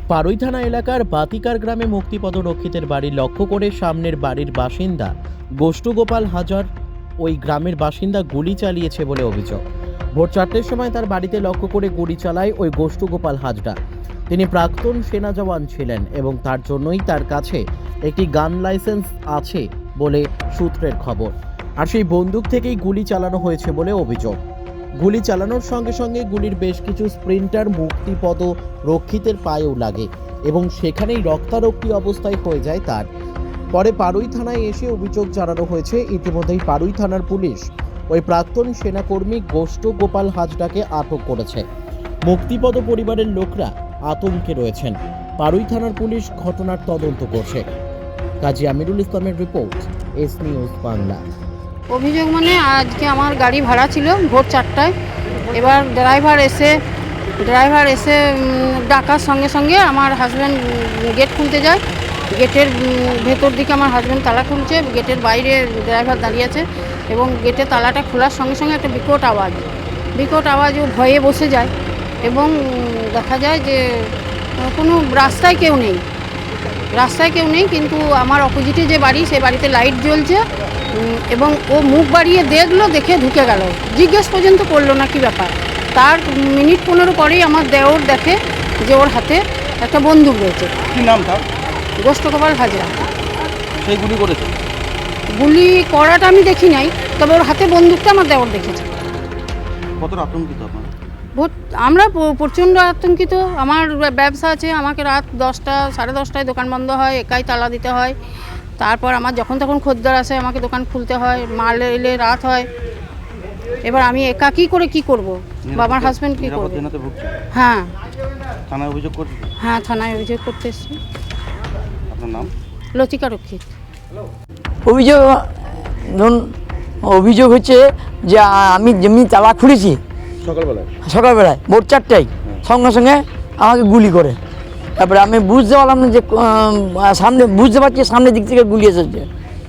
পাড়ুই থানা এলাকার বাতিকার গ্রামে মুক্তিপদ রক্ষিতের বাড়ি লক্ষ্য করে সামনের বাড়ির বাসিন্দা গোষ্ঠগোপাল হাজার ওই গ্রামের বাসিন্দা গুলি চালিয়েছে বলে অভিযোগ। ভোর 4টের সময় তার বাড়িতে লক্ষ্য করে গুলি চালায় ওই গোষ্ঠগোপাল হাজরা। তিনি প্রাক্তন সেনা জওয়ান ছিলেন এবং তার জন্যই তার কাছে একটি গান লাইসেন্স আছে বলে সূত্রের খবর। আর সেই বন্দুক থেকেই গুলি চালানো হয়েছে বলে অভিযোগ। গুলি চালানোর সঙ্গে সঙ্গে গুলির বেশ কিছু স্প্রিন্টার মুক্তিপদ রক্ষিতের পায়েও লাগে এবং সেখানেই রক্তারক্তি অবস্থায় হয়ে যায় তার। পরে পাড়ুই থানায় এসে অভিযোগ জানানো হয়েছে। ইতিমধ্যেই পাড়ুই থানার পুলিশ ওই প্রাক্তন সেনাকর্মী গোষ্ঠগোপাল হাজরাকে আটক করেছে। মুক্তিপদ পরিবারের লোকরা আতঙ্কে রয়েছেন। পাড়ুই থানার পুলিশ ঘটনার তদন্ত করছে। কাজী আমিরুল ইসলামের রিপোর্ট, এস নিউজ বাংলা। অভিযোগ মানে আজকে আমার গাড়ি ভাড়া ছিল ভোর 4টায়। এবার ড্রাইভার এসে ডাকার সঙ্গে সঙ্গে আমার হাজব্যান্ড গেট খুলতে যায়। গেটের ভেতর দিকে আমার হাজব্যান্ড তালা খুলছে, গেটের বাইরে ড্রাইভার দাঁড়িয়ে আছে এবং গেটের তালাটা খোলার সঙ্গে সঙ্গে একটা বিকট আওয়াজ ও ভয়ে বসে যায় এবং দেখা যায় যে কোনো রাস্তায় কেউ নেই, কিন্তু আমার অপোজিটে যে বাড়ি সেই বাড়িতে লাইট জ্বলছে এবং ও মুখ বাড়িয়ে দেখে ঢুকে গেল, জিজ্ঞেস পর্যন্ত করলো না কি ব্যাপার। তার মিনিট 15 পরেই আমার দেওর দেখে যে ওর হাতে একটা বন্দুক রয়েছে। কি নাম তার? গোষ্ঠগোপাল হাজরা। সেই গুলি করেছে? গুলি করাটা আমি দেখি নাই, তবে ওর হাতে বন্দুকটা আমার দেওর দেখেছে। কতটা আতঙ্কিত আপনারা? আমরা প্রচণ্ড আতঙ্কিত। আমার ব্যবসা আছে, আমাকে রাত 10টা 10:30টায় দোকান বন্ধ হয়, একাই তালা দিতে হয়। তারপর আমার যখন তখন খদ্দের আসে, আমাকে দোকান খুলতে হয়, মাল এলে রাত হয়। এবার আমি একা কী করব? বাবার হাজব্যান্ড কী করবে? হ্যাঁ। থানায় অভিযোগ করছে? হ্যাঁ, থানায় অভিযোগ করতে এসেছি। আপনার নাম? লতিকা রক্ষিত। অভিযোগ হচ্ছে যে আমি যেমনি তালা খুলেছি সকালবেলায় ভোর 4টায় সঙ্গে সঙ্গে আমাকে গুলি করে। তারপরে আমি বুঝতে পারলাম না যে বুঝতে পারছি সামনের দিক থেকে গুলি এসেছে।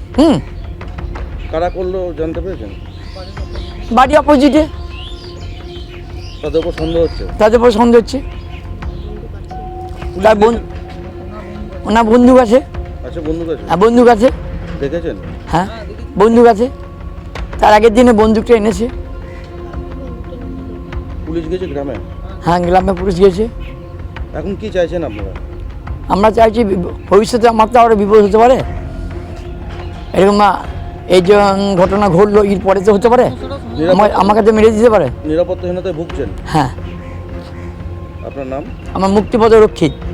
কারা করলো জানতে পেরেছেন? বাড়ি অপোজিটে। তাদের উপর সন্দেহ হচ্ছে? তার ওনার বন্দুক আছে। আচ্ছা, বন্দুক আছে? হ্যাঁ, বন্দুক আছে। দেখেছেন? হ্যাঁ, বন্দুক আছে। তার আগের দিনে বন্দুকটা এনেছে। পুলিশ গেছে গ্রামে? হ্যাঁ, গ্রামে পুলিশ গেছে। এখন কি চাইছেন আপনারা? আমরা চাইছি ভবিষ্যতে আমার তো আরও বিপদ হতে পারে। এরকম এই যে ঘটনা ঘটলো, এর পরে তো হতে পারে আমাকে তো মেরে দিতে পারে। নিরাপত্তাহীনতায় ভুগছেন? হ্যাঁ। আপনার নাম? আমার মুক্তিপদ রক্ষিত।